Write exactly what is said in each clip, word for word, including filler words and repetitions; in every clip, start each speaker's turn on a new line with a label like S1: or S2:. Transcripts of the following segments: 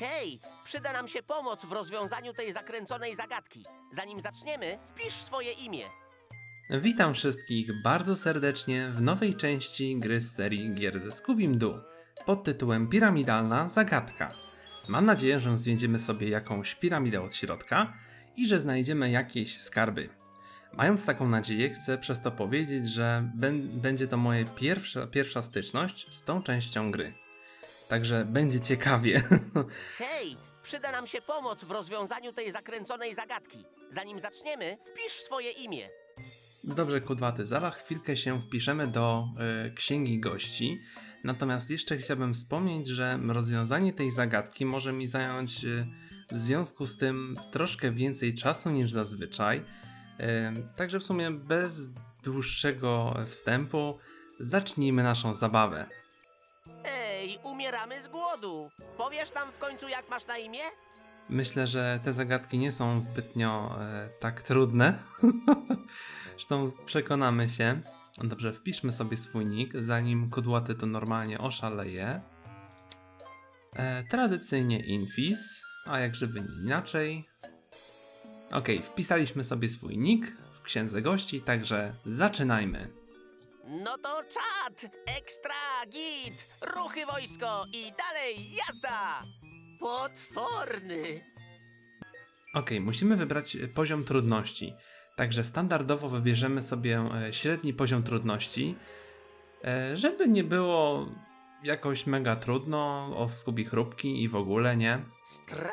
S1: Hej, przyda nam się pomoc w rozwiązaniu tej zakręconej zagadki. Zanim zaczniemy, wpisz swoje imię.
S2: Witam wszystkich bardzo serdecznie w nowej części gry z serii gier ze Scooby-Doo pod tytułem Piramidalna Zagadka. Mam nadzieję, że zwiedziemy sobie jakąś piramidę od środka i że znajdziemy jakieś skarby. Mając taką nadzieję, chcę przez to powiedzieć, że będzie to moja pierwsza, pierwsza styczność z tą częścią gry. Także będzie ciekawie.
S1: Hej, przyda nam się pomoc w rozwiązaniu tej zakręconej zagadki. Zanim zaczniemy, wpisz swoje imię.
S2: Dobrze, Kudłaty, zaraz chwilkę się wpiszemy do y, księgi gości. Natomiast jeszcze chciałbym wspomnieć, że rozwiązanie tej zagadki może mi zająć y, w związku z tym troszkę więcej czasu niż zazwyczaj. Y, także w sumie bez dłuższego wstępu zacznijmy naszą zabawę.
S1: Ej, umieramy z głodu. Powiesz nam w końcu, jak masz na imię?
S2: Myślę, że te zagadki nie są zbytnio e, tak trudne. Zresztą przekonamy się. Dobrze, wpiszmy sobie swój nick, zanim Kudłaty to normalnie oszaleje. E, tradycyjnie Infis, a jak żeby nie inaczej. Ok, wpisaliśmy sobie swój nick w księdze gości, także zaczynajmy.
S1: No to czad, ekstra, git, ruchy wojsko i dalej jazda! Potworny!
S2: Ok, musimy wybrać poziom trudności. Także standardowo wybierzemy sobie e, średni poziom trudności, e, żeby nie było jakoś mega trudno, o skubi chrupki i w ogóle, nie?
S1: Stra...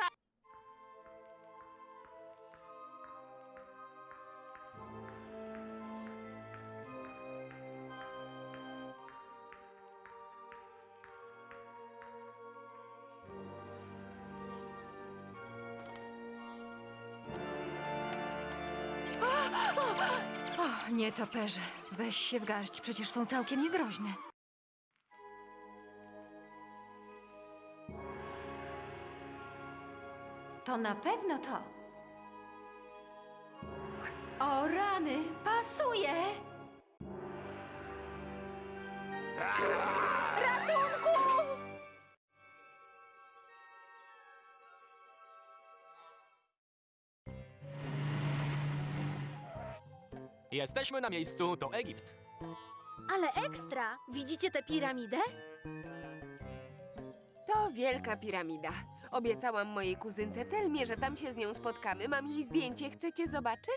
S3: O, nietoperze, weź się w garść, przecież są całkiem niegroźne. To na pewno to. O rany, pasuje! Ratunku!
S4: Jesteśmy na miejscu, to Egipt.
S5: Ale ekstra! Widzicie tę piramidę?
S6: To wielka piramida. Obiecałam mojej kuzynce Telmie, że tam się z nią spotkamy. Mam jej zdjęcie. Chcecie zobaczyć?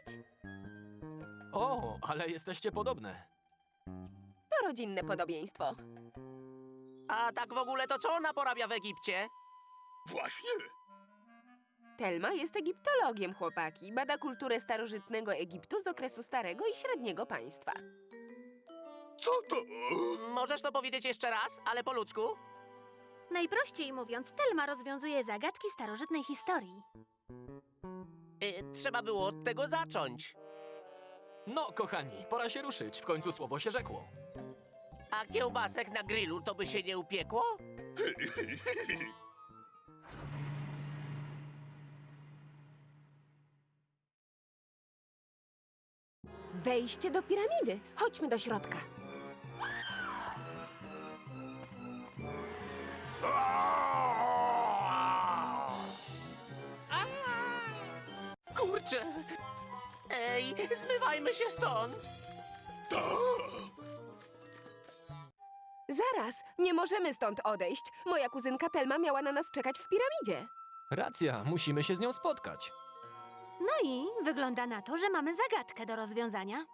S4: O, ale jesteście podobne.
S6: To rodzinne podobieństwo.
S1: A tak w ogóle to co ona porabia w Egipcie?
S4: Właśnie.
S6: Telma jest egiptologiem, chłopaki. Bada kulturę starożytnego Egiptu z okresu Starego i Średniego Państwa.
S4: Co to?
S1: Możesz to powiedzieć jeszcze raz, ale po ludzku?
S5: Najprościej mówiąc, Telma rozwiązuje zagadki starożytnej historii.
S1: Y, trzeba było od tego zacząć.
S4: No, kochani, pora się ruszyć. W końcu słowo się rzekło.
S1: A kiełbasek na grillu to by się nie upiekło?
S6: Wejście do piramidy. Chodźmy do środka.
S1: Kurczę! Ej, zmywajmy się stąd!
S6: Zaraz, nie możemy stąd odejść. Moja kuzynka Telma miała na nas czekać w piramidzie.
S4: Racja, musimy się z nią spotkać.
S5: No i wygląda na to, że mamy zagadkę do rozwiązania.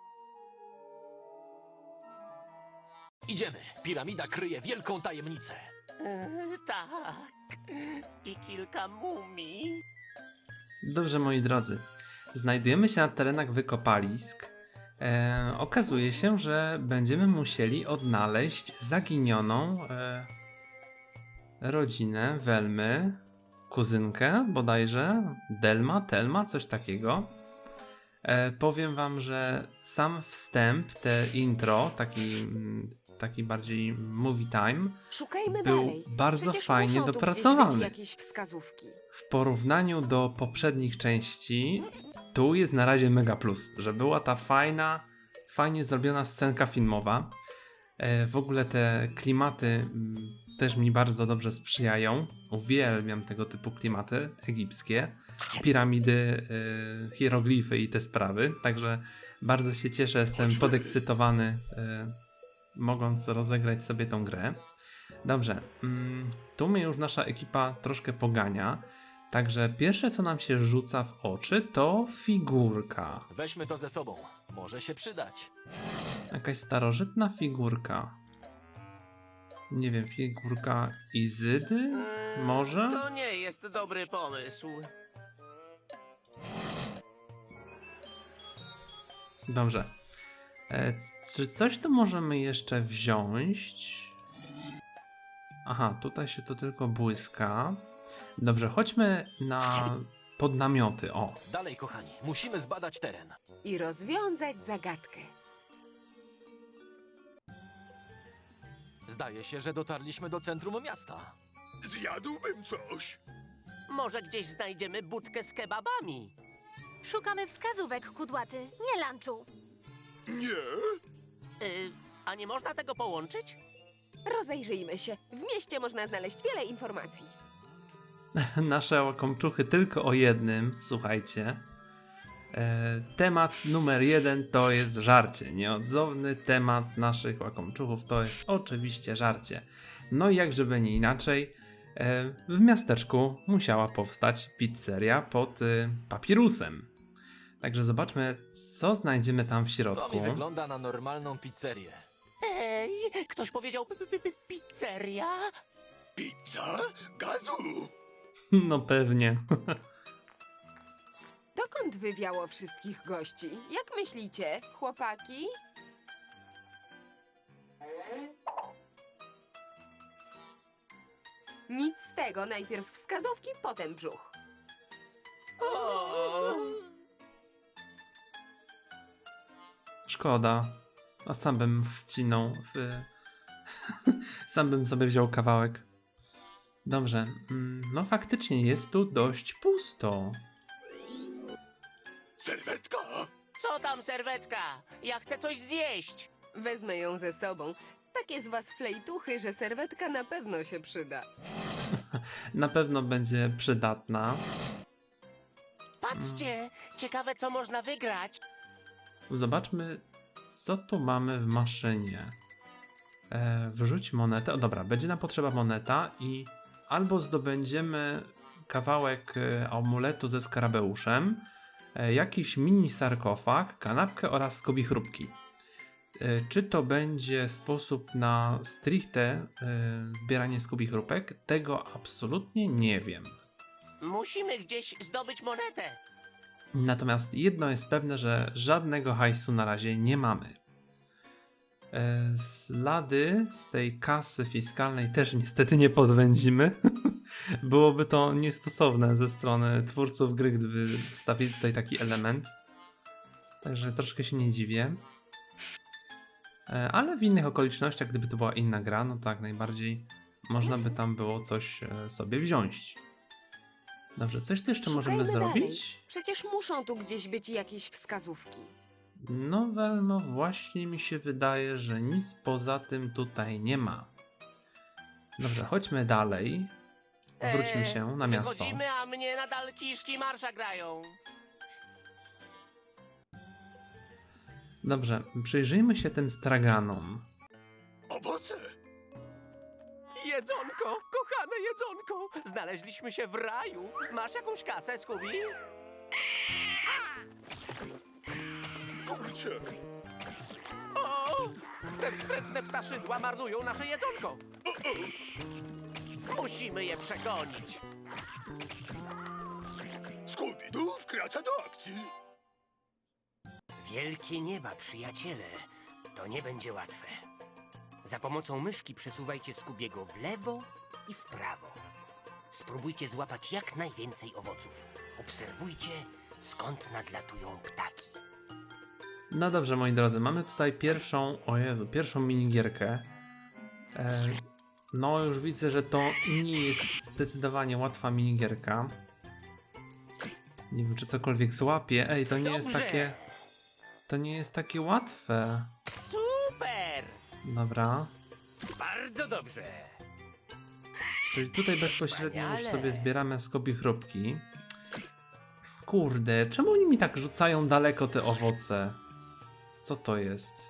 S4: Idziemy. Piramida kryje wielką tajemnicę.
S1: E, tak. I kilka mumii.
S2: Dobrze, moi drodzy. Znajdujemy się na terenach wykopalisk. E, okazuje się, że będziemy musieli odnaleźć zaginioną e, rodzinę Welmy, kuzynkę bodajże, Delma, Telma, coś takiego. E, powiem wam, że sam wstęp, te intro, taki, taki bardziej movie time,
S6: Szukajmy
S2: był
S6: dalej.
S2: bardzo
S6: Przecież
S2: fajnie
S6: muszą tu gdzieś
S2: dopracowany.
S6: być jakieś wskazówki.
S2: W porównaniu do poprzednich części, tu jest na razie mega plus, że była ta fajna, fajnie zrobiona scenka filmowa. E, w ogóle te klimaty m, też mi bardzo dobrze sprzyjają. Uwielbiam tego typu klimaty egipskie, piramidy, y, hieroglify i te sprawy. Także bardzo się cieszę, jestem podekscytowany, y, mogąc rozegrać sobie tą grę. Dobrze, mm, tu mnie już nasza ekipa troszkę pogania. Także pierwsze, co nam się rzuca w oczy, to figurka.
S4: Weźmy to ze sobą. Może się przydać.
S2: Jakaś starożytna figurka. Nie wiem, figurka Izydy?
S1: Eee,
S2: Może?
S1: To nie jest dobry pomysł.
S2: Dobrze. E, c- czy coś tu możemy jeszcze wziąć? Aha, tutaj się to tylko błyska. Dobrze, chodźmy na podnamioty. O,
S4: Dalej, kochani. Musimy zbadać teren.
S6: I rozwiązać zagadkę.
S4: Zdaje się, że dotarliśmy do centrum miasta.
S7: Zjadłbym coś.
S1: Może gdzieś znajdziemy budkę z kebabami.
S5: Szukamy wskazówek, kudłaty, nie lunchu.
S7: Nie?
S1: Y, a nie można tego połączyć?
S6: Rozejrzyjmy się. W mieście można znaleźć wiele informacji.
S2: nasze łakomczuchy tylko o jednym, słuchajcie. E, temat numer jeden to jest żarcie. Nieodzowny temat naszych łakomczuchów to jest oczywiście żarcie. No i jak żeby nie inaczej, e, w miasteczku musiała powstać pizzeria pod y, papirusem. Także zobaczmy, co znajdziemy tam w
S4: To
S2: środku.
S4: mi wygląda na normalną pizzerię.
S1: Ej, ktoś powiedział p- p- p- pizzeria?
S7: Pizza? Gazu?
S2: No pewnie.
S6: Dokąd wywiało wszystkich gości? Jak myślicie, chłopaki? Nic z tego. Najpierw wskazówki, potem brzuch.
S1: O!
S2: Szkoda. A sam bym wcinął w... sam bym sobie wziął kawałek. Dobrze. mm, No faktycznie jest tu dość pusto.
S7: Serwetka?
S1: Co tam, serwetka? Ja chcę coś zjeść.
S6: Wezmę ją ze sobą. Takie z was flejtuchy, że serwetka na pewno się przyda.
S2: Na pewno będzie przydatna.
S1: Patrzcie, ciekawe co można wygrać.
S2: Zobaczmy, co tu mamy w maszynie. E, wrzuć monetę. O dobra, będzie nam potrzeba moneta i albo zdobędziemy kawałek e, amuletu ze skarabeuszem, e, jakiś mini sarkofag, kanapkę oraz skobie chrupki. E, czy to będzie sposób na stricte e, zbieranie skobie chrupek? Tego absolutnie nie wiem.
S1: Musimy gdzieś zdobyć monetę.
S2: Natomiast jedno jest pewne, że żadnego hajsu na razie nie mamy. E, Ślady z tej kasy fiskalnej też niestety nie podwędzimy. Byłoby to niestosowne ze strony twórców gry, gdyby wstawili tutaj taki element. Także troszkę się nie dziwię. E, Ale w innych okolicznościach, gdyby to była inna gra, no tak najbardziej można by tam było coś e, sobie wziąć. Dobrze, coś tu jeszcze możemy
S6: Szukajmy dalej.
S2: zrobić?
S6: Przecież muszą tu gdzieś być jakieś wskazówki.
S2: No Welmo, właśnie mi się wydaje, że nic poza tym tutaj nie ma. Dobrze, chodźmy dalej. Wróćmy
S1: Eee,
S2: się na miasto.
S1: Wychodzimy, a mnie nadal kiszki marsza grają.
S2: Dobrze, przyjrzyjmy się tym straganom.
S7: Owoce?
S1: Jedzonko, kochane jedzonko. Znaleźliśmy się w raju. Masz jakąś kasę, Scooby?
S7: Kurczę.
S1: O! Te wstrętne ptaszydła marnują nasze jedzonko. Musimy je przegonić.
S7: Scooby-Doo wkracza do akcji.
S8: Wielkie nieba, przyjaciele. To nie będzie łatwe. Za pomocą myszki przesuwajcie Skubiego w lewo i w prawo. Spróbujcie złapać jak najwięcej owoców. Obserwujcie, skąd nadlatują ptaki.
S2: No dobrze, moi drodzy, mamy tutaj pierwszą, o Jezu, pierwszą minigierkę. E, no już widzę, że to nie jest zdecydowanie łatwa minigierka. Nie wiem, czy cokolwiek złapie. Ej, to nie jest
S1: Dobrze.
S2: takie... To nie jest takie łatwe.
S1: Super!
S2: Dobra.
S8: Bardzo dobrze.
S2: Czyli tutaj bezpośrednio już
S8: Wspaniale.
S2: sobie zbieramy skobie chrupki. Kurde, czemu oni mi tak rzucają daleko te owoce? Co to jest?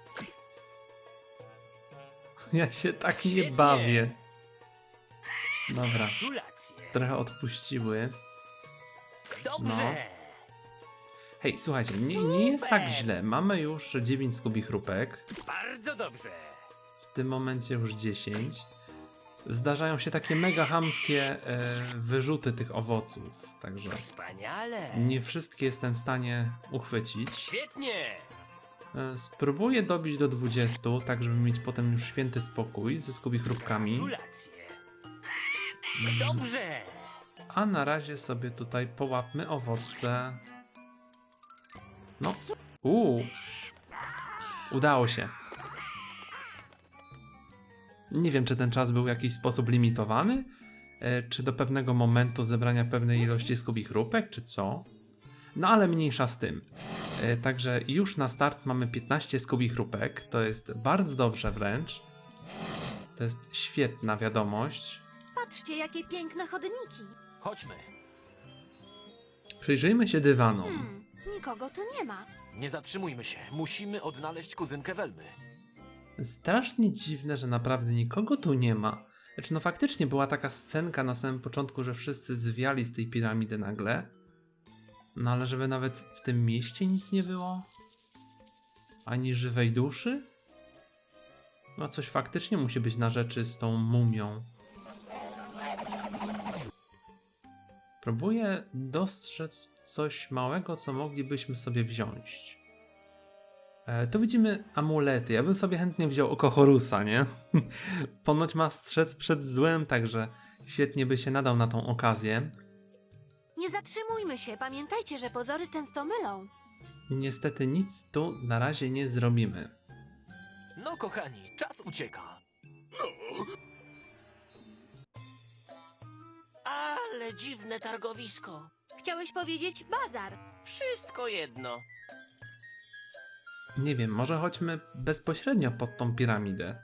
S2: Ja się tak nie
S8: Świetnie.
S2: bawię. Dobra,
S8: Gratulacje.
S2: trochę odpuściły.
S8: Dobrze.
S2: Hej, słuchajcie, nie, nie jest tak
S8: Super.
S2: źle. Mamy już dziewięć skobich chrupek.
S8: Bardzo dobrze.
S2: W tym momencie już dziesięć. Zdarzają się takie mega chamskie e, wyrzuty tych owoców. Także
S8: Wspaniale.
S2: nie wszystkie jestem w stanie uchwycić.
S8: Świetnie.
S2: E, Spróbuję dobić do dwudziestu, tak żeby mieć potem już święty spokój ze skubichrupkami.
S8: Gratulacje. Dobrze.
S2: A na razie sobie tutaj połapmy owoce. No, uuu. Udało się. Nie wiem, czy ten czas był w jakiś sposób limitowany, e, czy do pewnego momentu zebrania pewnej ilości skubichrupek, czy co. No ale mniejsza z tym. E, Także już na start mamy piętnaście skubichrupek. To jest bardzo dobrze wręcz. To jest świetna wiadomość.
S5: Patrzcie, jakie piękne chodniki.
S4: Chodźmy.
S2: Przyjrzyjmy się dywanom.
S5: Hmm, nikogo tu nie ma.
S4: Nie zatrzymujmy się. Musimy odnaleźć kuzynkę Welmy.
S2: Strasznie dziwne, że naprawdę nikogo tu nie ma. Znaczy, no faktycznie była taka scenka na samym początku, że wszyscy zwiali z tej piramidy nagle. No ale żeby nawet w tym mieście nic nie było? Ani żywej duszy? No coś faktycznie musi być na rzeczy z tą mumią. Próbuję dostrzec coś małego, co moglibyśmy sobie wziąć. E, tu widzimy amulety. Ja bym sobie chętnie wziął oko Horusa, nie? Ponoć ma strzec przed złem, także świetnie by się nadał na tą okazję.
S5: Nie zatrzymujmy się. Pamiętajcie, że pozory często mylą.
S2: Niestety nic tu na razie nie zrobimy.
S4: No, kochani, czas ucieka.
S1: Ale dziwne targowisko.
S5: Chciałeś powiedzieć bazar.
S1: Wszystko jedno.
S2: Nie wiem, może chodźmy bezpośrednio pod tą piramidę.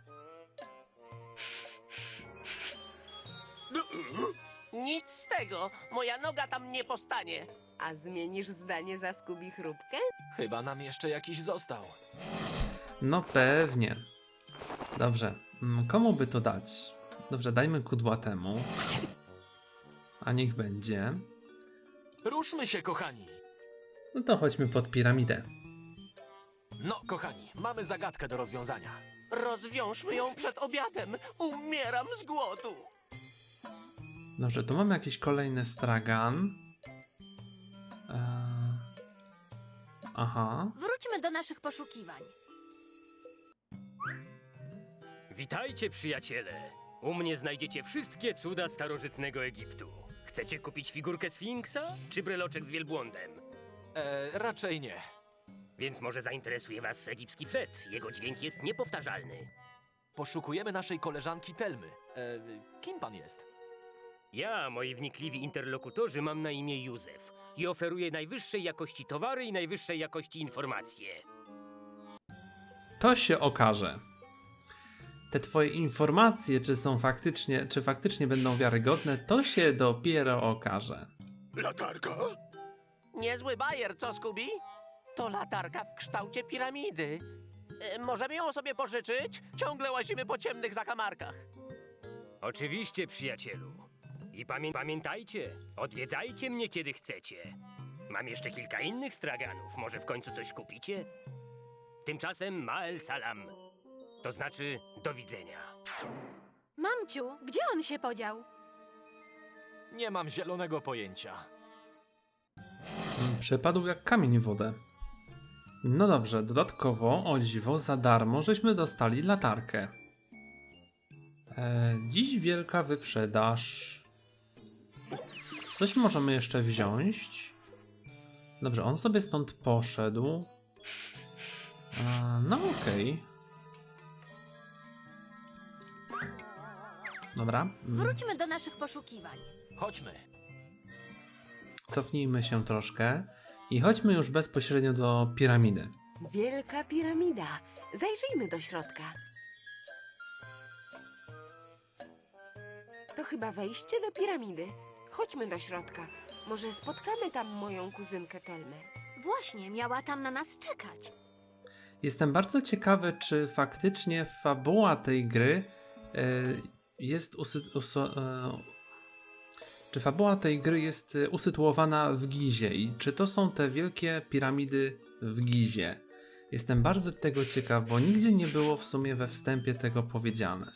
S1: Nic z tego. Moja noga tam nie postanie.
S6: A zmienisz zdanie za skubichrupkę?
S4: Chyba nam jeszcze jakiś został.
S2: No pewnie. Dobrze, mm, komu by to dać? Dobrze, dajmy kudłatemu. A niech będzie.
S4: Ruszmy się, kochani.
S2: No to chodźmy pod piramidę.
S4: No, kochani, mamy zagadkę do rozwiązania.
S1: Rozwiążmy ją przed obiadem. Umieram z głodu.
S2: Dobrze, tu mamy jakiś kolejny stragan. Eee... Aha.
S5: Wróćmy do naszych poszukiwań.
S9: Witajcie, przyjaciele! U mnie znajdziecie wszystkie cuda starożytnego Egiptu. Chcecie kupić figurkę Sfinksa czy breloczek z wielbłądem?
S4: E, raczej nie.
S9: Więc może zainteresuje was egipski flet. Jego dźwięk jest niepowtarzalny.
S4: Poszukujemy naszej koleżanki Telmy. E, kim pan jest?
S9: Ja, moi wnikliwi interlokutorzy, mam na imię Józef i oferuję najwyższej jakości towary i najwyższej jakości informacje.
S2: To się okaże. Te twoje informacje, czy są faktycznie, czy faktycznie będą wiarygodne, to się dopiero okaże.
S7: Latarka?
S1: Niezły bajer, co, Skubi? To latarka w kształcie piramidy. E, możemy ją sobie pożyczyć? Ciągle łazimy po ciemnych zakamarkach.
S9: Oczywiście, przyjacielu. I pamię pamiętajcie, odwiedzajcie mnie, kiedy chcecie. Mam jeszcze kilka innych straganów. Może w końcu coś kupicie? Tymczasem Ma'el Salam. To znaczy do widzenia.
S5: Mamciu, gdzie on się podział?
S4: Nie mam zielonego pojęcia.
S2: Przepadł jak kamień w wodę. No dobrze, dodatkowo, o dziwo, za darmo żeśmy dostali latarkę. E, dziś wielka wyprzedaż. Coś możemy jeszcze wziąć. Dobrze, on sobie stąd poszedł. E, no okej. Dobra. mm,
S5: Wróćmy do naszych poszukiwań.
S4: Chodźmy.
S2: Cofnijmy się troszkę i chodźmy już bezpośrednio do piramidy.
S6: Wielka piramida. Zajrzyjmy do środka. To chyba wejście do piramidy. Chodźmy do środka. Może spotkamy tam moją kuzynkę Telmę.
S5: Właśnie, miała tam na nas czekać.
S2: Jestem bardzo ciekawy, czy faktycznie fabuła tej gry e, jest usy, uso, e, czy fabuła tej gry jest e, usytuowana w Gizie i czy to są te wielkie piramidy w Gizie. Jestem bardzo tego ciekaw, bo nigdzie nie było w sumie we wstępie tego powiedziane.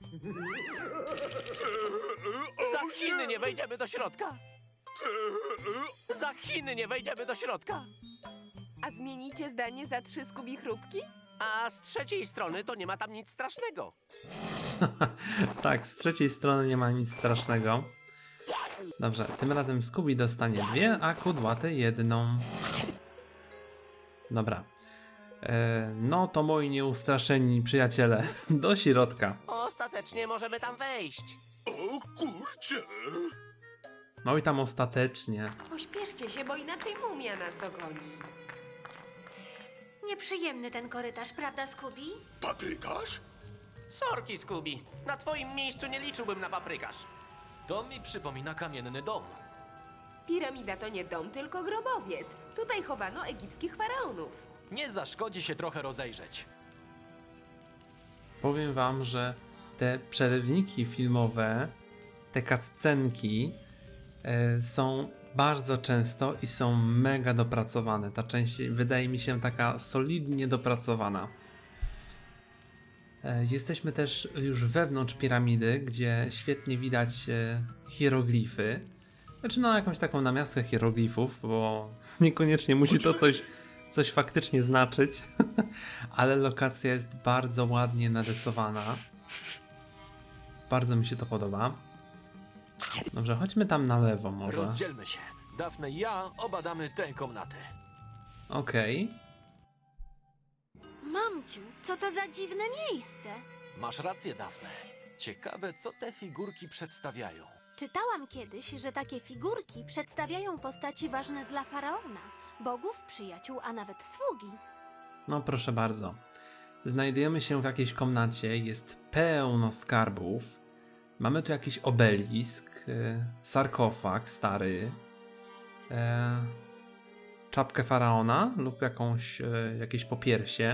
S1: Za Chiny nie wejdziemy do środka! Za Chiny nie wejdziemy do środka!
S6: A zmienicie zdanie za trzy Skubi chrupki?
S1: A z trzeciej strony to nie ma tam nic strasznego.
S2: Tak, z trzeciej strony nie ma nic strasznego. Dobrze, tym razem Scooby dostanie dwie, a kudłaty jedną. Dobra. E, no to moi nieustraszeni przyjaciele, do środka.
S1: Ostatecznie możemy tam wejść.
S7: O kurczę!
S2: No i tam ostatecznie.
S6: Pośpieszcie się, bo inaczej mumia nas dogoni.
S5: Nieprzyjemny ten korytarz, prawda, Scooby?
S7: Paprykarz?
S1: Sorki, Scooby. Na twoim miejscu nie liczyłbym na paprykarz.
S4: To mi przypomina kamienny dom.
S6: Piramida to nie dom, tylko grobowiec. Tutaj chowano egipskich faraonów.
S4: Nie zaszkodzi się trochę rozejrzeć.
S2: Powiem wam, że te przerywniki filmowe, te cutscenki e, są bardzo często i są mega dopracowane. Ta część wydaje mi się taka solidnie dopracowana. E, jesteśmy też już wewnątrz piramidy, gdzie świetnie widać e, hieroglify. Znaczy no jakąś taką namiastkę hieroglifów, bo niekoniecznie musi to coś, coś faktycznie znaczyć. Ale lokacja jest bardzo ładnie narysowana. Bardzo mi się to podoba. Dobrze, chodźmy tam na lewo może.
S4: Rozdzielmy się. Daphne i ja obadamy tę komnatę.
S2: Okej.
S5: Mamciu, co to za dziwne miejsce?
S4: Masz rację, Daphne. Ciekawe, co te figurki przedstawiają.
S5: Czytałam kiedyś, że takie figurki przedstawiają postaci ważne dla faraona, bogów, przyjaciół, a nawet sługi.
S2: No proszę bardzo. Znajdujemy się w jakiejś komnacie, jest pełno skarbów. Mamy tu jakiś obelisk, e, sarkofag stary, e, czapkę faraona lub jakąś, e, jakieś popiersie,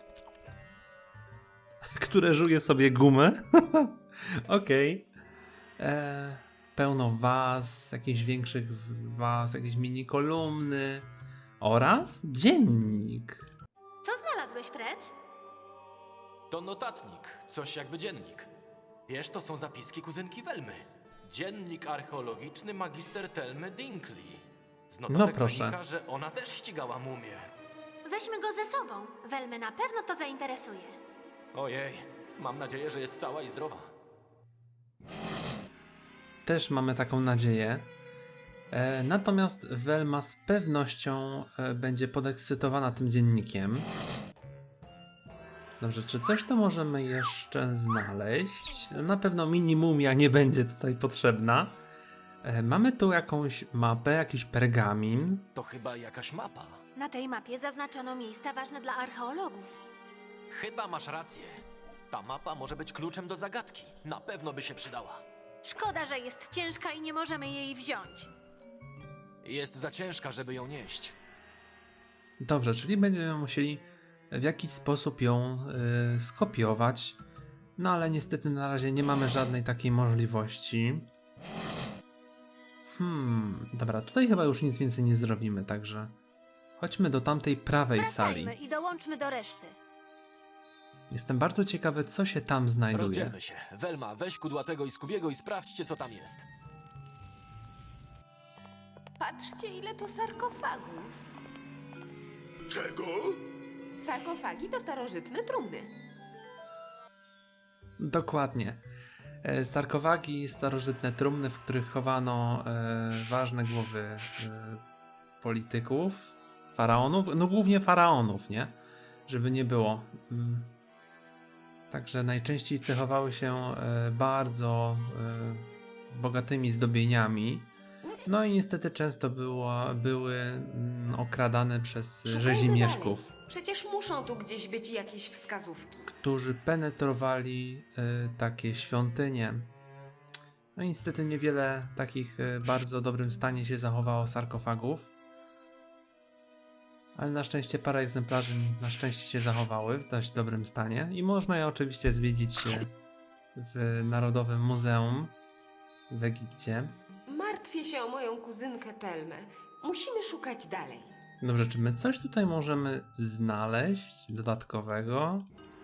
S2: które żuje sobie gumę. Okej. E, Pełno waz, jakichś większych waz, jakieś mini kolumny oraz dziennik.
S5: Co znalazłeś, Fred?
S4: To notatnik, coś jakby dziennik. Wiesz, to są zapiski kuzynki Welmy. Dziennik archeologiczny magister Telmy Dinkley. Z notatek
S2: No proszę.
S4: wynika, że ona też ścigała mumię.
S5: Weźmy go ze sobą. Welmę na pewno to zainteresuje.
S4: Ojej, mam nadzieję, że jest cała i zdrowa.
S2: Też mamy taką nadzieję. E, natomiast Velma z pewnością e, będzie podekscytowana tym dziennikiem. Dobrze, czy coś to możemy jeszcze znaleźć? Na pewno minimumia nie będzie tutaj potrzebna. E, mamy tu jakąś mapę, jakiś pergamin.
S4: To chyba jakaś mapa.
S5: Na tej mapie zaznaczono miejsca ważne dla archeologów.
S4: Chyba masz rację. Ta mapa może być kluczem do zagadki. Na pewno by się przydała.
S5: Szkoda, że jest ciężka i nie możemy jej wziąć.
S4: Jest za ciężka, żeby ją nieść.
S2: Dobrze, czyli będziemy musieli w jakiś sposób ją y, skopiować. No ale niestety na razie nie mamy żadnej takiej możliwości. Hmm, dobra, tutaj chyba już nic więcej nie zrobimy, także chodźmy do tamtej prawej sali.
S5: Wracajmy i dołączmy do reszty.
S2: Jestem bardzo ciekawy, co się tam znajduje.
S4: Rozdzielmy się. Welma, weź kudłatego i Skubiego i sprawdźcie, co tam jest.
S6: Patrzcie, ile tu sarkofagów.
S7: Czego?
S6: Sarkofagi to starożytne trumny.
S2: Dokładnie. E, Sarkofagi, starożytne trumny, w których chowano e, ważne głowy e, polityków, faraonów, no głównie faraonów, nie? Żeby nie było. Mm. Także najczęściej cechowały się e, bardzo e, bogatymi zdobieniami. No i niestety często było, były mm, okradane przez rzezimieszków,
S6: Przecież muszą tu gdzieś być jakieś wskazówki.
S2: którzy penetrowali e, takie świątynie. No i niestety niewiele takich w bardzo dobrym stanie się zachowało sarkofagów. Ale na szczęście parę egzemplarzy na szczęście się zachowały w dość dobrym stanie. I można je oczywiście zwiedzić się w Narodowym Muzeum w Egipcie.
S6: Martwię się o moją kuzynkę Telmę. Musimy szukać dalej.
S2: Dobrze, czy my coś tutaj możemy znaleźć dodatkowego?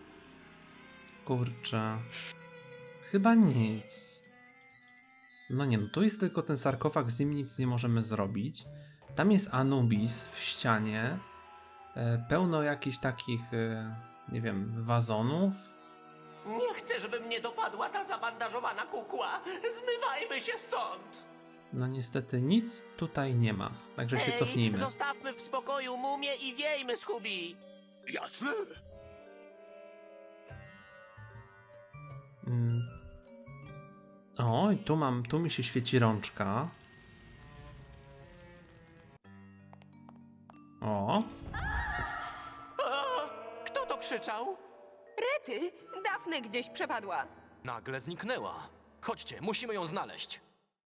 S2: Kurczę. Chyba nic. No nie, no tu jest tylko ten sarkofag, z nim nic nie możemy zrobić. Tam jest Anubis w ścianie. E, pełno jakichś takich, e, nie wiem, wazonów.
S1: Nie chcę, żeby mnie dopadła ta zabandażowana kukła. Zmywajmy się stąd.
S2: No niestety nic tutaj nie ma, także się
S1: Ej,
S2: cofnijmy.
S1: zostawmy w spokoju mumię i wiejmy, Scooby.
S7: Jasne.
S2: Mm. O, i tu mam, tu mi się świeci rączka. O,
S1: O, kto to krzyczał?
S6: Rety, Dafne gdzieś przepadła.
S4: Nagle zniknęła. Chodźcie, musimy ją znaleźć.